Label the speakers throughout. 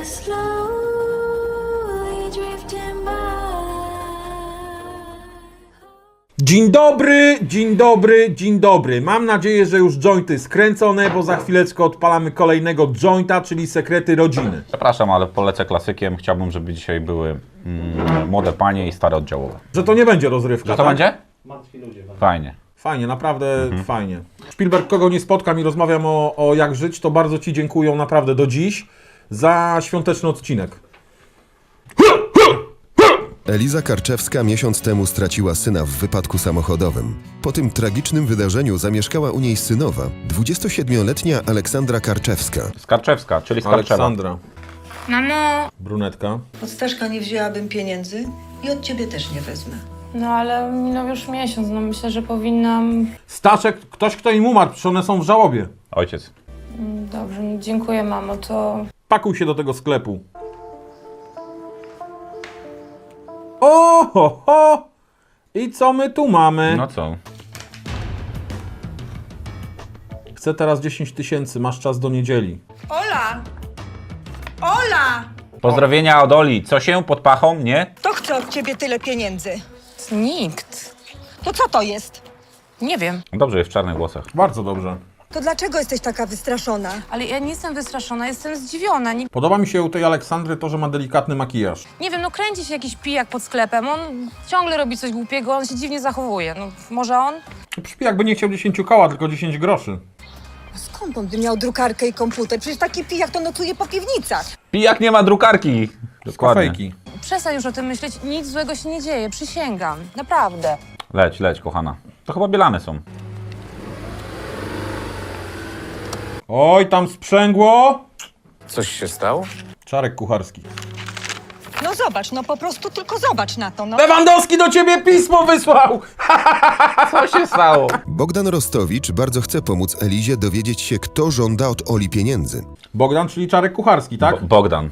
Speaker 1: slowly drifting by.
Speaker 2: Dzień dobry, dzień dobry, dzień dobry. Mam nadzieję, że już jointy skręcone, bo za chwileczkę odpalamy kolejnego jointa, czyli sekrety rodziny.
Speaker 3: Przepraszam, ale polecę klasykiem. Chciałbym, żeby dzisiaj były młode panie i stare oddziałowe.
Speaker 2: Że to nie będzie rozrywka,
Speaker 3: Że to
Speaker 2: tak?
Speaker 3: będzie?
Speaker 4: Martwi ludzie.
Speaker 3: Fajnie.
Speaker 2: Fajnie, naprawdę fajnie. Spielberg, kogo nie spotkam i rozmawiam o jak żyć, to bardzo Ci dziękuję naprawdę do dziś za świąteczny odcinek.
Speaker 5: Eliza Karczewska miesiąc temu straciła syna w wypadku samochodowym. Po tym tragicznym wydarzeniu zamieszkała u niej synowa, 27-letnia Aleksandra Karczewska.
Speaker 3: Skarczewska, czyli Skarczewa.
Speaker 2: Aleksandra,
Speaker 6: Mamo!
Speaker 2: brunetka.
Speaker 7: Od Staszka nie wzięłabym pieniędzy i od ciebie też nie wezmę.
Speaker 6: No ale minął już miesiąc, no myślę, że powinnam...
Speaker 2: Staszek, ktoś kto im umarł, przecież one są w żałobie.
Speaker 3: Ojciec.
Speaker 6: Dobrze, no dziękuję mamo, to...
Speaker 2: Pakuj się do tego sklepu. O, ho, ho! I co my tu mamy?
Speaker 3: No co?
Speaker 2: Chcę teraz 10 000, masz czas do niedzieli.
Speaker 7: Ola! Ola!
Speaker 3: Pozdrowienia od Oli. Co się pod pachą, nie?
Speaker 7: Kto chce od ciebie tyle pieniędzy?
Speaker 6: Nikt.
Speaker 7: To co to jest?
Speaker 6: Nie wiem.
Speaker 3: Dobrze, jest w czarnych włosach.
Speaker 2: Bardzo dobrze.
Speaker 7: To dlaczego jesteś taka wystraszona?
Speaker 6: Ale ja nie jestem wystraszona, jestem zdziwiona.
Speaker 2: Podoba mi się u tej Aleksandry to, że ma delikatny makijaż.
Speaker 6: Nie wiem, no kręci się jakiś pijak pod sklepem, on ciągle robi coś głupiego, on się dziwnie zachowuje. No może on?
Speaker 2: Przypi jakby nie chciał 10 koła, tylko 10 groszy.
Speaker 7: Skąd on by miał drukarkę i komputer? Przecież taki pijak to nocuje po piwnicach.
Speaker 3: Pijak nie ma drukarki.
Speaker 2: Z kafejki.
Speaker 6: Przestań już o tym myśleć, nic złego się nie dzieje, przysięgam. Naprawdę.
Speaker 3: Leć, leć, kochana. To chyba bielane są.
Speaker 2: Oj, tam sprzęgło!
Speaker 8: Coś się stało?
Speaker 2: Czarek kucharski.
Speaker 7: No zobacz, no po prostu tylko zobacz na to, no.
Speaker 2: Lewandowski do ciebie pismo wysłał!
Speaker 3: Co się stało?
Speaker 5: Bogdan Rostowicz bardzo chce pomóc Elizie dowiedzieć się, kto żąda od Oli pieniędzy.
Speaker 2: Bogdan, czyli Czarek kucharski, tak?
Speaker 3: Bogdan.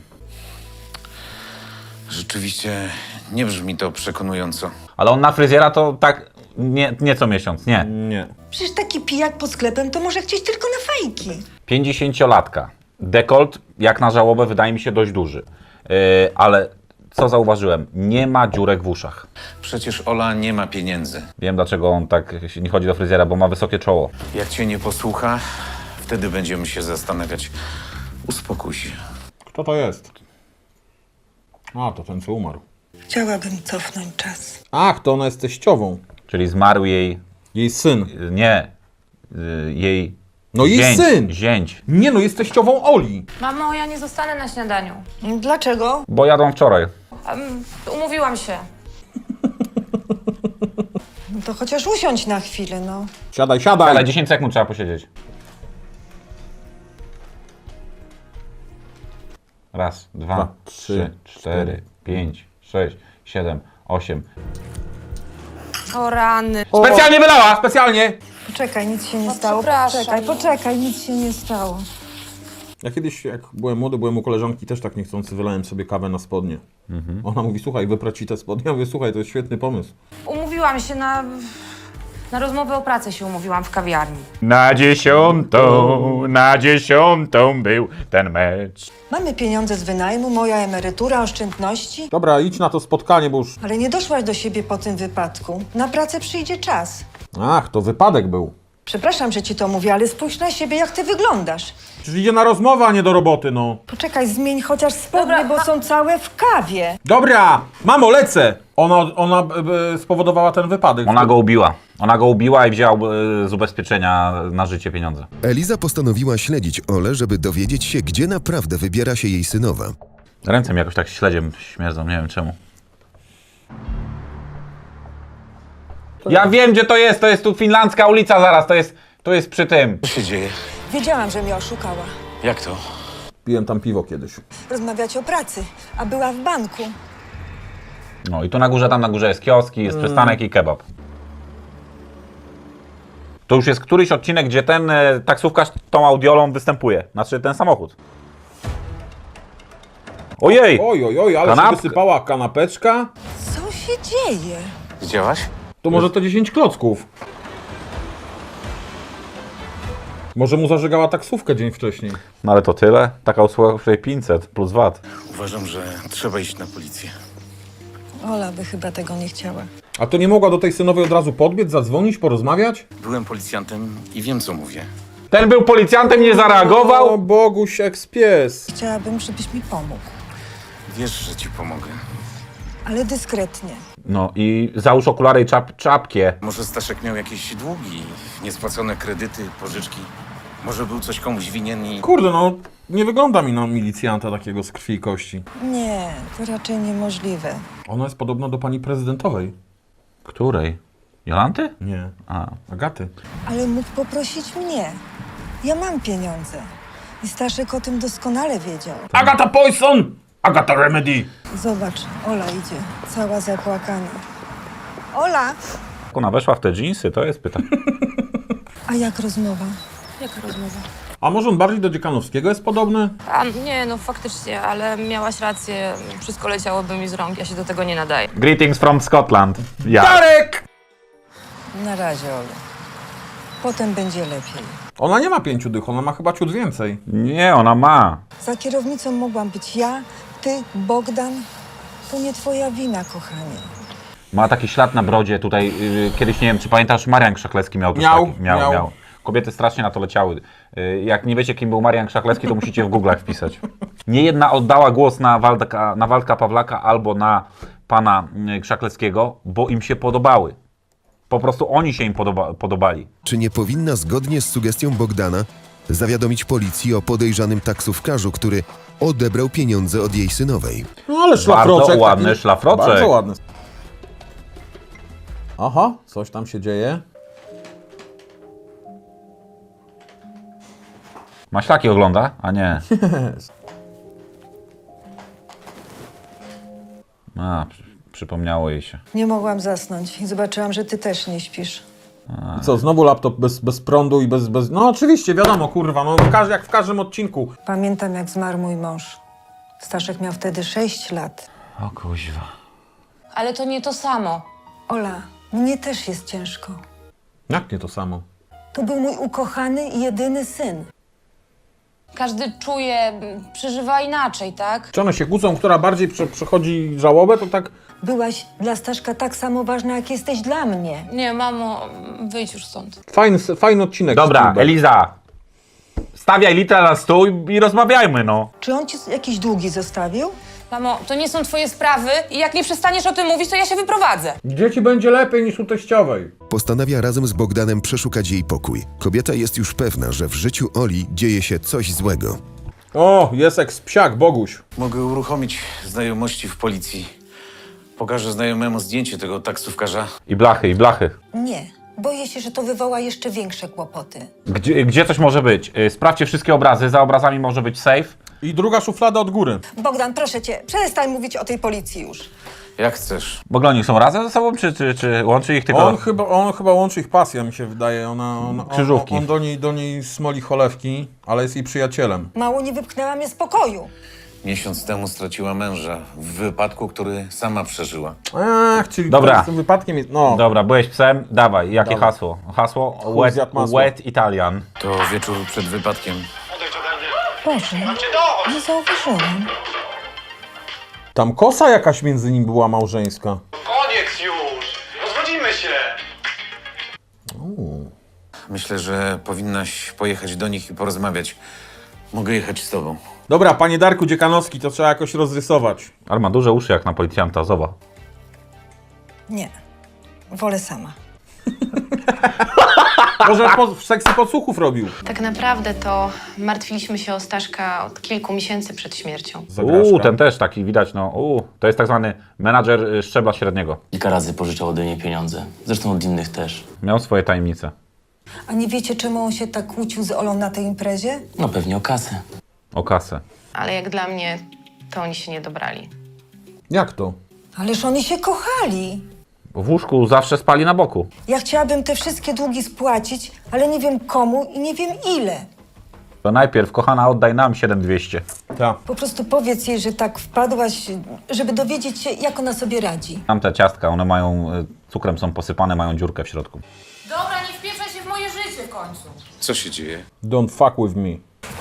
Speaker 8: Rzeczywiście nie brzmi to przekonująco.
Speaker 3: Ale on na fryzjera to tak nie co miesiąc, nie.
Speaker 2: Nie.
Speaker 7: Przecież taki pijak pod sklepem to może chcieć tylko na fajki.
Speaker 3: 50-latka. Dekolt, jak na żałobę, wydaje mi się dość duży. Ale co zauważyłem? Nie ma dziurek w uszach.
Speaker 8: Przecież Ola nie ma pieniędzy.
Speaker 3: Wiem, dlaczego on tak nie chodzi do fryzjera, bo ma wysokie czoło.
Speaker 8: Jak cię nie posłucha, wtedy będziemy się zastanawiać. Uspokój się.
Speaker 2: Kto to jest? A, to ten, co umarł.
Speaker 7: Chciałabym cofnąć czas.
Speaker 2: Ach, to ona jest teściową.
Speaker 3: Czyli zmarł jej...
Speaker 2: Jej syn.
Speaker 3: Nie. Jej...
Speaker 2: No jej
Speaker 3: zięć,
Speaker 2: syn!
Speaker 3: Zięć.
Speaker 2: Nie no, jest teściową Oli.
Speaker 6: Mamo, ja nie zostanę na śniadaniu.
Speaker 7: Dlaczego?
Speaker 3: Bo jadą wczoraj.
Speaker 6: Umówiłam się.
Speaker 7: No to chociaż usiądź na chwilę, no.
Speaker 2: Siadaj, siadaj!
Speaker 3: Ale 10 sekund trzeba posiedzieć. Raz, dwa, trzy, cztery, 5, 6, 7, 8.
Speaker 6: O rany.
Speaker 2: Specjalnie wylała! Specjalnie!
Speaker 7: Poczekaj, nic się nie
Speaker 6: No,
Speaker 7: stało.
Speaker 6: przepraszam.
Speaker 7: Poczekaj, nic się nie stało.
Speaker 2: Ja kiedyś, jak byłem młody, byłem u koleżanki, też tak niechcący wylałem sobie kawę na spodnie. Ona mówi, słuchaj, wyprać ci te spodnie. Ja mówię, słuchaj, to jest świetny pomysł.
Speaker 6: Umówiłam się na rozmowę o pracę się umówiłam w kawiarni.
Speaker 3: Na 10 był ten mecz.
Speaker 7: Mamy pieniądze z wynajmu, moja emerytura, oszczędności.
Speaker 2: Dobra, idź na to spotkanie, bo już...
Speaker 7: Ale nie doszłaś do siebie po tym wypadku. Na pracę przyjdzie czas.
Speaker 2: Ach, to wypadek był.
Speaker 7: Przepraszam, że ci to mówię, ale spójrz na siebie, jak ty wyglądasz.
Speaker 2: Przecież idzie na rozmowę, a nie do roboty, no.
Speaker 7: Poczekaj, zmień chociaż spodnie,
Speaker 6: Dobra,
Speaker 7: bo są całe w kawie.
Speaker 2: Dobra! Mamo, lecę! Ona spowodowała ten wypadek.
Speaker 3: Ona go ubiła. Ona go ubiła i wzięła z ubezpieczenia na życie pieniądze.
Speaker 5: Eliza postanowiła śledzić Olę, żeby dowiedzieć się, gdzie naprawdę wybiera się jej synowa.
Speaker 3: Ręce mi jakoś tak śledziem śmierdzą, nie wiem czemu. Ja wiem, gdzie to jest tu finlandzka ulica zaraz, to jest przy tym.
Speaker 8: Co się dzieje?
Speaker 7: Wiedziałam, że mnie oszukała.
Speaker 8: Jak to?
Speaker 2: Piłem tam piwo kiedyś.
Speaker 7: Rozmawiać o pracy, a była w banku.
Speaker 3: No i tu na górze, tam na górze jest kioski, jest przystanek i kebab. To już jest któryś odcinek, gdzie ten taksówkarz tą audiolą występuje. Znaczy ten samochód. Ojej!
Speaker 2: Oj, ale się
Speaker 3: Kanapka.
Speaker 2: wysypała kanapeczka.
Speaker 7: Co się dzieje?
Speaker 8: Widziałaś?
Speaker 2: To może to 10 klocków. Może mu zażegała taksówkę dzień wcześniej.
Speaker 3: No ale to tyle. Taka usługa kosztuje 500 plus VAT.
Speaker 8: Uważam, że trzeba iść na policję.
Speaker 7: Ola by chyba tego nie chciała.
Speaker 2: A to nie mogła do tej synowej od razu podbiec, zadzwonić, porozmawiać?
Speaker 8: Byłem policjantem i wiem, co mówię.
Speaker 3: Ten był policjantem, nie
Speaker 2: O,
Speaker 3: zareagował?
Speaker 2: Boguś, eks-pies.
Speaker 7: Chciałabym, żebyś mi pomógł.
Speaker 8: Wiesz, że ci pomogę.
Speaker 7: Ale dyskretnie.
Speaker 3: No i załóż okulary i czapkę.
Speaker 8: Może Staszek miał jakieś długi, niespłacone kredyty, pożyczki. Może był coś komuś winien i...
Speaker 2: Kurde, no nie wygląda mi na milicjanta takiego z krwi i kości.
Speaker 7: Nie, to raczej niemożliwe.
Speaker 2: Ona jest podobna do pani prezydentowej.
Speaker 3: Której? Jolanty?
Speaker 2: Nie,
Speaker 3: A.
Speaker 2: Agaty.
Speaker 7: Ale mógł poprosić mnie. Ja mam pieniądze. I Staszek o tym doskonale wiedział.
Speaker 2: Agata Poison! Agata Remedy!
Speaker 7: Zobacz, Ola idzie, cała zapłakana. Ola!
Speaker 3: Jak ona weszła w te dżinsy, to jest pytanie.
Speaker 7: A jak rozmowa?
Speaker 6: Jaka rozmowa?
Speaker 2: A może on bardziej do Dziekanowskiego jest podobny?
Speaker 6: A nie, no faktycznie, ale miałaś rację. Wszystko leciałoby mi z rąk, ja się do tego nie nadaję.
Speaker 3: Greetings from Scotland. Ja.
Speaker 2: Darek!
Speaker 7: Na razie, Ola. Potem będzie lepiej.
Speaker 2: Ona nie ma 5 dych, ona ma chyba ciut więcej.
Speaker 3: Nie, ona ma.
Speaker 7: Za kierownicą mogłam być ja, ty, Bogdan. To nie twoja wina, kochanie.
Speaker 3: Ma taki ślad na brodzie tutaj. Kiedyś, nie wiem, czy pamiętasz, Marian Krzaklecki miał coś
Speaker 2: Miał,
Speaker 3: taki.
Speaker 2: miał.
Speaker 3: Kobiety strasznie na to leciały. Jak nie wiecie, kim był Marian Krzaklecki, to musicie w Google'ach wpisać. Nie jedna oddała głos na Waldka Pawlaka albo na pana Krzakleckiego, bo im się podobały. Po prostu oni się im podobali.
Speaker 5: Czy nie powinna zgodnie z sugestią Bogdana zawiadomić policji o podejrzanym taksówkarzu, który odebrał pieniądze od jej synowej?
Speaker 2: No ale szlafroczek.
Speaker 3: Bardzo ładny
Speaker 2: taki-
Speaker 3: szlafroczek.
Speaker 2: Bardzo ładny. Aha, coś tam się dzieje.
Speaker 3: Maślaki ogląda? A nie. A, przypomniało jej się.
Speaker 7: Nie mogłam zasnąć i zobaczyłam, że ty też nie śpisz.
Speaker 2: I co, znowu laptop bez prądu i bez... No oczywiście, wiadomo, kurwa, no jak w każdym odcinku.
Speaker 7: Pamiętam, jak zmarł mój mąż. Staszek miał wtedy 6 lat.
Speaker 3: O kuźwa.
Speaker 6: Ale to nie to samo.
Speaker 7: Ola, mnie też jest ciężko.
Speaker 2: Jak nie to samo?
Speaker 7: To był mój ukochany i jedyny syn.
Speaker 6: Każdy czuje, przeżywa inaczej, tak?
Speaker 2: Czy one się kłócą, która bardziej przechodzi żałobę, to tak...
Speaker 7: Byłaś dla Staszka tak samo ważna, jak jesteś dla mnie.
Speaker 6: Nie, mamo, wyjdź już stąd.
Speaker 2: Fajny odcinek.
Speaker 3: Dobra,
Speaker 2: Spielberg.
Speaker 3: Eliza. Stawiaj litra na stół i rozmawiajmy, no.
Speaker 7: Czy on ci jakieś długi zostawił?
Speaker 6: Mamo, to nie są twoje sprawy i jak nie przestaniesz o tym mówić, to ja się wyprowadzę.
Speaker 2: Gdzie ci będzie lepiej niż u teściowej?
Speaker 5: Postanawia razem z Bogdanem przeszukać jej pokój. Kobieta jest już pewna, że w życiu Oli dzieje się coś złego.
Speaker 2: O, jest eks-psiak, Boguś.
Speaker 8: Mogę uruchomić znajomości w policji. Pokażę znajomemu zdjęcie tego taksówkarza.
Speaker 3: I blachy.
Speaker 7: Nie. Boję się, że to wywoła jeszcze większe kłopoty.
Speaker 3: Gdzie coś może być? Sprawdźcie wszystkie obrazy, za obrazami może być safe.
Speaker 2: I druga szuflada od góry.
Speaker 7: Bogdan, proszę cię, przestań mówić o tej policji już.
Speaker 8: Jak chcesz.
Speaker 3: W ogóle oni są razem ze sobą, czy łączy ich tylko...
Speaker 2: On chyba łączy ich pasja, mi się wydaje.
Speaker 3: Krzyżówki.
Speaker 2: On do niej smoli cholewki, ale jest jej przyjacielem.
Speaker 7: Mało nie wypchnęła mnie z pokoju.
Speaker 8: Miesiąc temu straciła męża w wypadku, który sama przeżyła.
Speaker 2: Ach, czyli
Speaker 3: Dobra.
Speaker 2: z tym wypadkiem jest... No,
Speaker 3: Dobra, byłeś psem, dawaj, jakie
Speaker 2: Dobra.
Speaker 3: hasło? Hasło
Speaker 2: Chuj zjadł masło.
Speaker 3: wet Italian.
Speaker 8: To wieczór przed wypadkiem.
Speaker 7: Boże, nie zauważyłam.
Speaker 2: tam kosa jakaś między nim była małżeńska.
Speaker 4: Koniec już! Rozchodzimy się!
Speaker 8: Myślę, że powinnaś pojechać do nich i porozmawiać. Mogę jechać z tobą.
Speaker 2: Dobra, panie Darku Dziekanowski, to trzeba jakoś rozrysować.
Speaker 3: Ale ma duże uszy jak na policjanta, zobacz.
Speaker 7: Nie. Wolę sama.
Speaker 2: Może w sekcji podsłuchów robił.
Speaker 9: Tak naprawdę to martwiliśmy się o Staszka od kilku miesięcy przed śmiercią.
Speaker 2: Zagraszka.
Speaker 3: Ten też taki widać, no. To jest tak zwany menadżer szczebla średniego.
Speaker 10: Kilka razy pożyczał ode mnie pieniądze. Zresztą od innych też.
Speaker 3: Miał swoje tajemnice.
Speaker 7: A nie wiecie, czemu on się tak kłócił z Olą na tej imprezie?
Speaker 10: No pewnie o kasę.
Speaker 3: O kasę.
Speaker 9: Ale jak dla mnie, to oni się nie dobrali.
Speaker 2: Jak to?
Speaker 7: Ależ oni się kochali.
Speaker 3: W łóżku zawsze spali na boku.
Speaker 7: Ja chciałabym te wszystkie długi spłacić, ale nie wiem komu i nie wiem ile.
Speaker 3: To najpierw, kochana, oddaj nam 7200.
Speaker 2: Tak.
Speaker 7: Po prostu powiedz jej, że tak wpadłaś, żeby dowiedzieć się, jak ona sobie radzi.
Speaker 3: Tam te ciastka, one mają, cukrem są posypane, mają dziurkę w środku.
Speaker 6: Dobra, nie wpieprzaj się w moje życie w końcu. końcu.
Speaker 8: Co się dzieje?
Speaker 2: Don't fuck with me.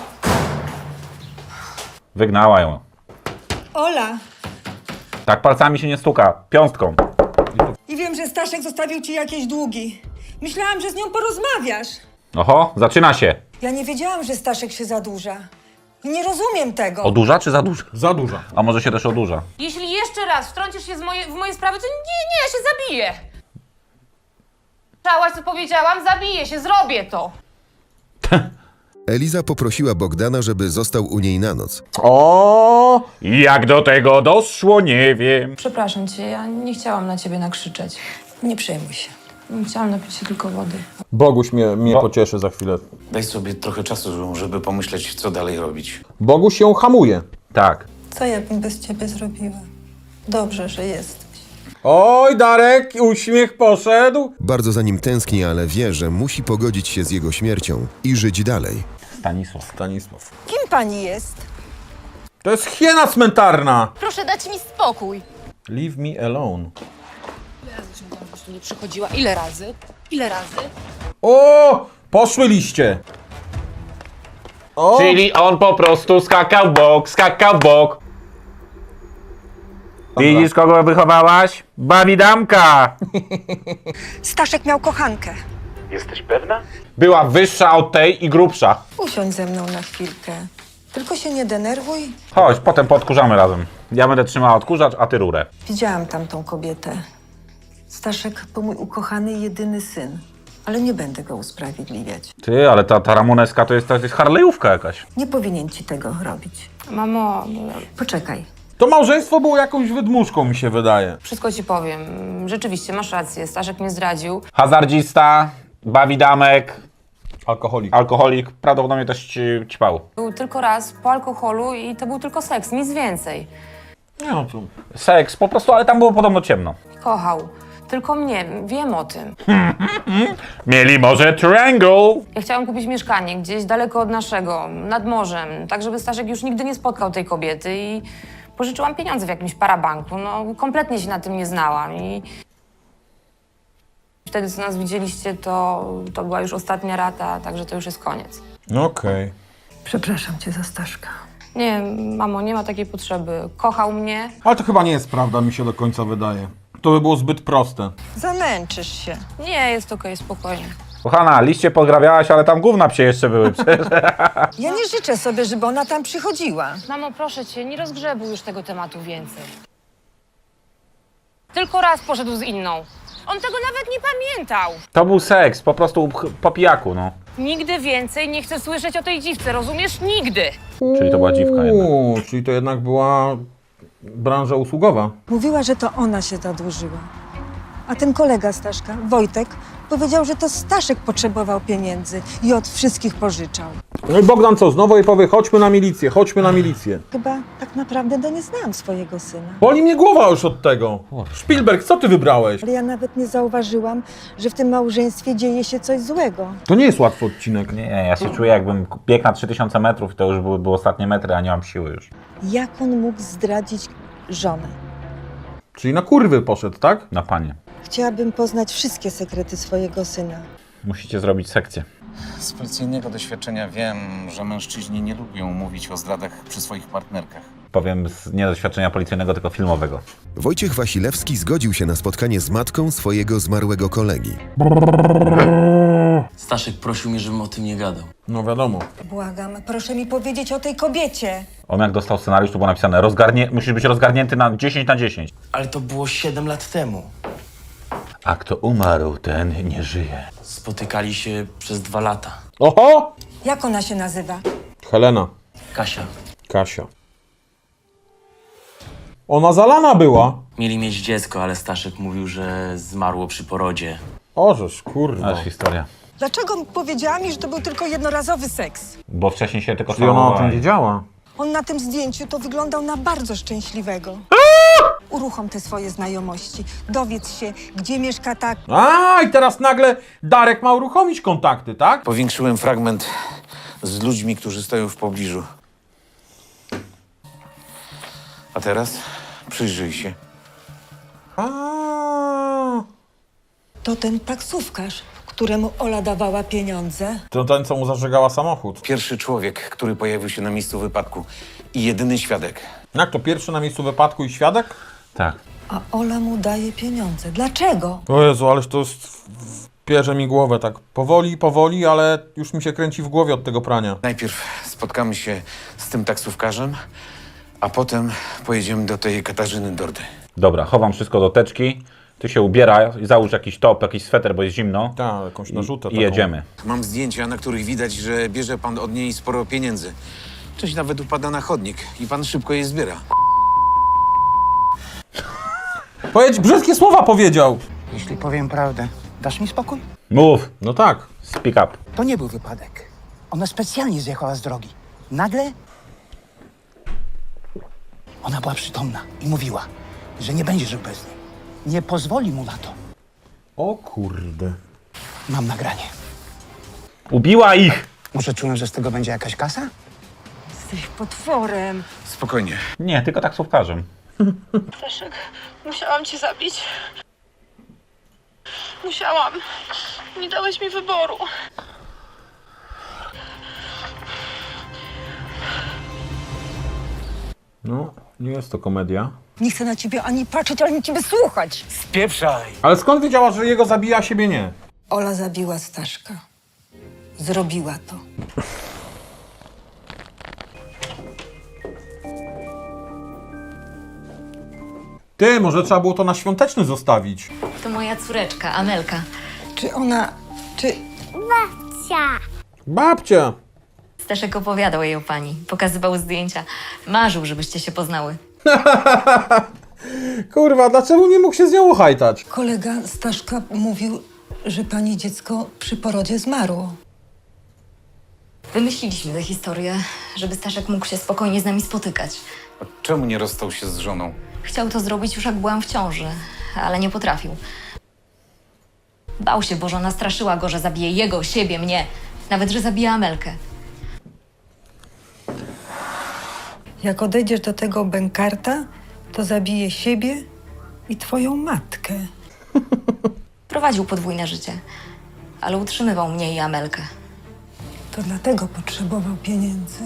Speaker 3: Wygnała ją.
Speaker 7: Ola,
Speaker 3: Tak palcami się nie stuka. Piąstką.
Speaker 7: i wiem, że Staszek zostawił ci jakieś długi. Myślałam, że z nią porozmawiasz.
Speaker 3: Oho, zaczyna się.
Speaker 7: Ja nie wiedziałam, że Staszek się zadłuża. I nie rozumiem tego.
Speaker 3: Odurza czy za duża?
Speaker 2: Za duża.
Speaker 3: A może się też odurza?
Speaker 6: Jeśli jeszcze raz wtrącisz się w moje sprawy, to nie, ja się zabiję. Słyszałaś, co powiedziałam? Zabiję się, zrobię to.
Speaker 5: Eliza poprosiła Bogdana, żeby został u niej na noc.
Speaker 2: O!
Speaker 3: Jak do tego doszło, nie wiem.
Speaker 6: Przepraszam cię, ja nie chciałam na ciebie nakrzyczeć.
Speaker 7: Nie przejmuj się.
Speaker 6: Chciałam napić się tylko wody.
Speaker 2: Boguś mnie pocieszy za chwilę.
Speaker 8: Daj sobie trochę czasu, żeby pomyśleć, co dalej robić.
Speaker 2: Boguś się hamuje.
Speaker 3: Tak.
Speaker 7: Co ja bym bez ciebie zrobiła? Dobrze, że jesteś.
Speaker 2: Oj, Darek, uśmiech poszedł.
Speaker 5: Bardzo za nim tęskni, ale wie, że musi pogodzić się z jego śmiercią i żyć dalej.
Speaker 3: Stanisław.
Speaker 2: Stanisław.
Speaker 7: Kim pani jest?
Speaker 2: To jest hiena cmentarna.
Speaker 6: Proszę dać mi spokój.
Speaker 2: Leave me alone.
Speaker 6: Tu nie przychodziła. Ile razy? Ile razy?
Speaker 2: O! Poszły liście. O!
Speaker 3: Czyli on po prostu skakał w bok. Widzisz, kogo wychowałaś? Bawidamka!
Speaker 7: Staszek miał kochankę.
Speaker 3: Była wyższa od tej i grubsza.
Speaker 7: Usiądź ze mną na chwilkę. Tylko się nie denerwuj.
Speaker 3: Chodź, potem podkurzamy razem. Ja będę trzymała odkurzacz, a ty rurę.
Speaker 7: Widziałam tamtą kobietę. Staszek to mój ukochany jedyny syn. Ale nie będę go usprawiedliwiać.
Speaker 3: Ty, ale ta Ramoneska to jest harlejówka jakaś.
Speaker 7: Nie powinien ci tego robić.
Speaker 6: Mamo,
Speaker 7: Poczekaj.
Speaker 2: To małżeństwo było jakąś wydmuszką, mi się wydaje.
Speaker 6: wszystko ci powiem. Rzeczywiście, masz rację. Staszek mnie zdradził.
Speaker 3: Hazardzista, bawidamek,
Speaker 2: Alkoholik.
Speaker 3: alkoholik, prawdopodobnie też ćpał.
Speaker 6: Był tylko raz po alkoholu i to był tylko seks, nic więcej.
Speaker 2: Nie no, to...
Speaker 3: Seks po prostu, ale tam było podobno ciemno.
Speaker 6: Kochał. Tylko mnie, wiem o tym.
Speaker 3: Mieli może triangle.
Speaker 6: Ja chciałam kupić mieszkanie gdzieś daleko od naszego, nad morzem, tak żeby Staszek już nigdy nie spotkał tej kobiety i pożyczyłam pieniądze w jakimś parabanku. No, kompletnie się na tym nie znałam i wtedy, co nas widzieliście, to była już ostatnia rata, także to już jest koniec.
Speaker 2: Okej.
Speaker 7: Przepraszam cię za Staszka.
Speaker 6: Nie, mamo, nie ma takiej potrzeby. Kochał mnie.
Speaker 2: Ale to chyba nie jest prawda, mi się do końca wydaje. To by było zbyt proste.
Speaker 7: Zamęczysz się.
Speaker 6: Nie, jest okej, spokojnie.
Speaker 3: Kochana, liście podgrabiałaś, ale tam gówna psie jeszcze były przecież.
Speaker 7: Ja nie życzę sobie, żeby ona tam przychodziła.
Speaker 6: Mamo, proszę cię, nie rozgrzebuj już tego tematu więcej. Tylko raz poszedł z inną. On tego nawet nie pamiętał.
Speaker 3: To był seks, po prostu po pijaku, no.
Speaker 6: Nigdy więcej nie chcę słyszeć o tej dziwce, rozumiesz? Nigdy!
Speaker 3: Czyli to była dziwka jednak.
Speaker 2: Czyli to jednak była branża usługowa.
Speaker 7: Mówiła, że to ona się zadłużyła. A ten kolega Staszka, Wojtek, powiedział, że to Staszek potrzebował pieniędzy i od wszystkich pożyczał.
Speaker 2: No i Bogdan co, znowu jej powie, chodźmy na milicję, chodźmy na milicję.
Speaker 7: Chyba tak naprawdę to nie znałam swojego syna.
Speaker 2: Boli mnie głowa już od tego. Szpilberg, co ty wybrałeś?
Speaker 7: Ale ja nawet nie zauważyłam, że w tym małżeństwie dzieje się coś złego.
Speaker 2: To nie jest łatwy odcinek.
Speaker 3: Nie, ja się czuję jakbym biegł na 3000 metrów i to już były ostatnie metry, a nie mam siły już.
Speaker 7: Jak on mógł zdradzić żonę?
Speaker 2: Czyli na kurwy poszedł, tak?
Speaker 3: Na panie.
Speaker 7: Chciałabym poznać wszystkie sekrety swojego syna.
Speaker 3: Musicie zrobić sekcję.
Speaker 8: Z policyjnego doświadczenia wiem, że mężczyźni nie lubią mówić o zdradach przy swoich partnerkach.
Speaker 3: Powiem nie z doświadczenia policyjnego, tylko filmowego.
Speaker 5: Wojciech Wasilewski zgodził się na spotkanie z matką swojego zmarłego kolegi.
Speaker 10: Staszek prosił mnie, żebym o tym nie gadał.
Speaker 2: No wiadomo.
Speaker 7: Błagam, proszę mi powiedzieć o tej kobiecie.
Speaker 3: On jak dostał scenariusz, to było napisane, musisz być rozgarnięty na 10 na 10.
Speaker 10: Ale to było 7 lat temu.
Speaker 3: A kto umarł, ten nie żyje.
Speaker 10: Spotykali się przez 2 lata.
Speaker 2: Oho!
Speaker 7: Jak ona się nazywa?
Speaker 2: Helena.
Speaker 10: Kasia.
Speaker 2: Kasia. Ona zalana była.
Speaker 10: Mieli mieć dziecko, ale Staszek mówił, że zmarło przy porodzie.
Speaker 2: Ożeż, kurwa.
Speaker 3: Aż historia.
Speaker 7: Dlaczego powiedziała mi, że to był tylko jednorazowy seks?
Speaker 3: Bo wcześniej się tylko
Speaker 2: Czyli ona o tym
Speaker 3: całowali.
Speaker 2: wiedziała.
Speaker 7: On na tym zdjęciu to wyglądał na bardzo szczęśliwego. Uruchom te swoje znajomości. Dowiedz się, gdzie mieszka ta...
Speaker 2: A i teraz nagle Darek ma uruchomić kontakty, tak?
Speaker 8: Powiększyłem fragment z ludźmi, którzy stoją w pobliżu. A teraz przyjrzyj się.
Speaker 2: A.
Speaker 7: To ten taksówkarz, któremu Ola dawała pieniądze?
Speaker 2: To ten, co mu zażegała samochód.
Speaker 8: Pierwszy człowiek, który pojawił się na miejscu wypadku i jedyny świadek.
Speaker 2: Jak to pierwszy na miejscu wypadku i świadek?
Speaker 3: Tak.
Speaker 7: A Ola mu daje pieniądze. Dlaczego?
Speaker 2: O Jezu, ależ to jest... Pierze mi głowę tak powoli, ale już mi się kręci w głowie od tego prania.
Speaker 8: Najpierw spotkamy się z tym taksówkarzem, a potem pojedziemy do tej Katarzyny Dordy.
Speaker 3: Dobra, chowam wszystko do teczki. Ty się ubieraj, załóż jakiś top, jakiś sweter, bo jest zimno.
Speaker 2: Tak, jakąś narzutę
Speaker 3: I jedziemy.
Speaker 8: Mam zdjęcia, na których widać, że bierze pan od niej sporo pieniędzy. Część nawet upada na chodnik i pan szybko je zbiera.
Speaker 2: Powiedz, brzydkie słowa powiedział!
Speaker 11: Jeśli powiem prawdę, dasz mi spokój?
Speaker 3: Mów,
Speaker 2: No tak.
Speaker 3: speak up.
Speaker 11: To nie był wypadek. Ona specjalnie zjechała z drogi. Nagle ona była przytomna i mówiła, że nie będzie żył bez niej. Nie pozwoli mu na to.
Speaker 2: O kurde.
Speaker 11: Mam nagranie.
Speaker 3: Ubiła ich!
Speaker 11: Może czułem, że z tego będzie jakaś kasa?
Speaker 7: Jesteś potworem.
Speaker 8: Spokojnie.
Speaker 3: Nie, tylko taksówkarzem.
Speaker 9: Staszek, musiałam cię zabić. Musiałam. Nie dałeś mi wyboru.
Speaker 2: No, nie jest to komedia.
Speaker 7: Nie chcę na ciebie ani patrzeć, ani ciebie słuchać.
Speaker 11: Spieprzaj!
Speaker 2: Ale skąd wiedziała, że jego zabija, a siebie nie?
Speaker 7: Ola zabiła Staszka. Zrobiła to.
Speaker 2: Ty, może trzeba było to na świąteczny zostawić.
Speaker 6: To moja córeczka, Amelka.
Speaker 7: Czy ona... Czy...
Speaker 2: Babcia!
Speaker 6: Staszek opowiadał jej o pani, pokazywał zdjęcia. Marzył, żebyście się poznały.
Speaker 2: Kurwa, dlaczego nie mógł się z nią uchajtać?
Speaker 7: Kolega Staszka mówił, że pani dziecko przy porodzie zmarło.
Speaker 6: Wymyśliliśmy tę historię, żeby Staszek mógł się spokojnie z nami spotykać.
Speaker 8: Czemu nie rozstał się z żoną?
Speaker 6: Chciał to zrobić już jak byłam w ciąży, ale nie potrafił. Bał się, bo żona straszyła go, że zabije jego, siebie, mnie. Nawet, że zabije Amelkę.
Speaker 7: Jak odejdziesz do tego bękarta, to zabije siebie i twoją matkę.
Speaker 6: Prowadził podwójne życie, ale utrzymywał mnie i Amelkę.
Speaker 7: To dlatego potrzebował pieniędzy.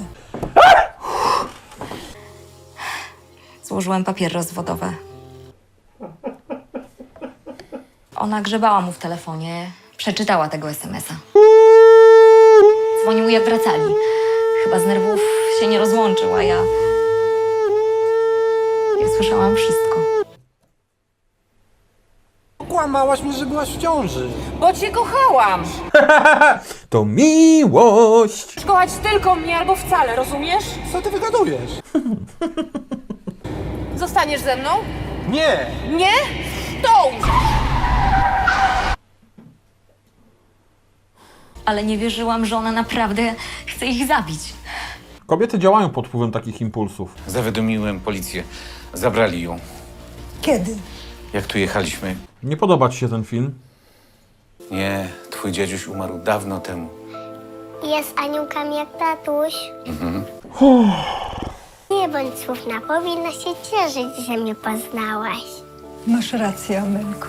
Speaker 6: Złożyłem papiery rozwodowe. Ona grzebała mu w telefonie, przeczytała tego SMS-a. Dzwonił, jak wracali. Chyba z nerwów się nie rozłączył, a ja słyszałam wszystko.
Speaker 11: Kłamałaś mi, że byłaś w ciąży.
Speaker 12: Bo cię kochałam!
Speaker 2: To miłość!
Speaker 12: Kochać tylko mnie albo wcale, rozumiesz?
Speaker 11: Co ty wygadujesz?
Speaker 12: Zostaniesz ze mną?
Speaker 11: Nie!
Speaker 12: Nie? To umrze!
Speaker 6: Ale nie wierzyłam, że ona naprawdę chce ich zabić.
Speaker 2: Kobiety działają pod wpływem takich impulsów.
Speaker 8: Zawiadomiłem policję. Zabrali ją.
Speaker 7: Kiedy?
Speaker 8: Jak tu jechaliśmy?
Speaker 2: Nie podoba ci się ten film?
Speaker 8: Nie, twój dziaduś umarł dawno temu.
Speaker 1: Jest aniołkami jak tatuś. Nie bądź słówna, powinna się cieszyć, że mnie poznałaś.
Speaker 7: Masz rację, Amelko.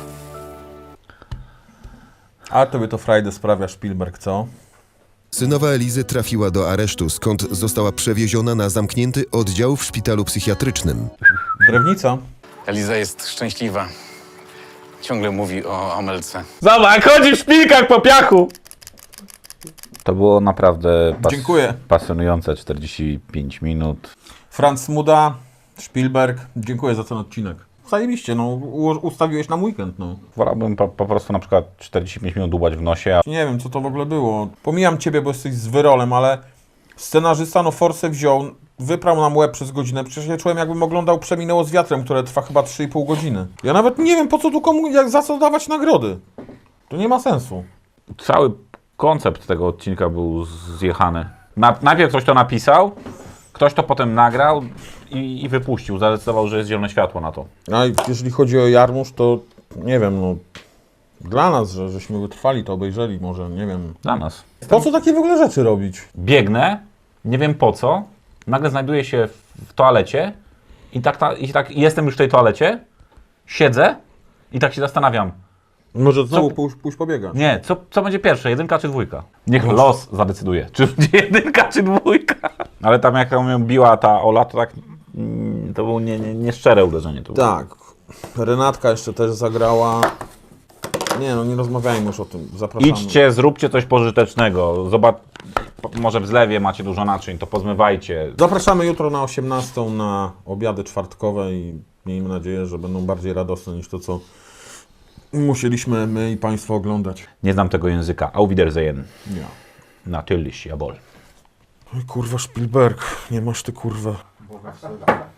Speaker 2: A tobie to frajdę sprawia Spielberg, co?
Speaker 5: Synowa Elizy trafiła do aresztu, skąd została przewieziona na zamknięty oddział w szpitalu psychiatrycznym.
Speaker 2: Drewnica.
Speaker 8: Eliza jest szczęśliwa. Ciągle mówi o Amelce.
Speaker 3: Zobacz, chodzi w szpilkach po piachu! To było naprawdę
Speaker 2: Dziękuję.
Speaker 3: pasjonujące 45 minut.
Speaker 2: Franz Muda, Spielberg. Dziękuję za ten odcinek. Zajebiście, no. Ustawiłeś na weekend, no.
Speaker 3: Wolałbym po prostu na przykład 45 minut dłubać w nosie, a
Speaker 2: Nie wiem, co to w ogóle było. Pomijam ciebie, bo jesteś z wyrolem, ale scenarzysta no forsę wziął, wyprał nam łeb przez godzinę. Przecież ja czułem, jakbym oglądał Przeminęło z wiatrem, które trwa chyba 3,5 godziny. Ja nawet nie wiem, po co tu komu, za co dawać nagrody. To nie ma sensu.
Speaker 3: cały koncept tego odcinka był zjechany. Najpierw ktoś to napisał, ktoś to potem nagrał i wypuścił. Zadecydował, że jest zielone światło na to.
Speaker 2: A jeżeli chodzi o Jarmusz, to nie wiem, no dla nas, żeśmy wytrwali, to obejrzeli, może, nie wiem.
Speaker 3: Dla nas.
Speaker 2: Po co takie w ogóle rzeczy robić?
Speaker 3: Biegnę, nie wiem po co, nagle znajduję się w toalecie i tak jestem już w tej toalecie, siedzę i tak się zastanawiam,
Speaker 2: Może znowu pójść pobiegać.
Speaker 3: Nie, co będzie pierwsze, 1 czy 2? Niech los zadecyduje, czy będzie 1 czy 2. Ale tam jak ją biła ta Ola, to tak to było nieszczere uderzenie. To było.
Speaker 2: Tak. Renatka jeszcze też zagrała. Nie no, nie rozmawiajmy już o tym. Zapraszamy.
Speaker 3: Idźcie, zróbcie coś pożytecznego. Zobacz, może w zlewie macie dużo naczyń, to pozmywajcie.
Speaker 2: Zapraszamy jutro na 18 na obiady czwartkowe i miejmy nadzieję, że będą bardziej radosne niż to, co musieliśmy my i Państwo oglądać.
Speaker 3: Nie znam tego języka. Auf Wiedersehen.
Speaker 2: Ja.
Speaker 3: Natürlich, jawohl.
Speaker 2: Oj, kurwa, Spielberg, nie masz ty kurwa.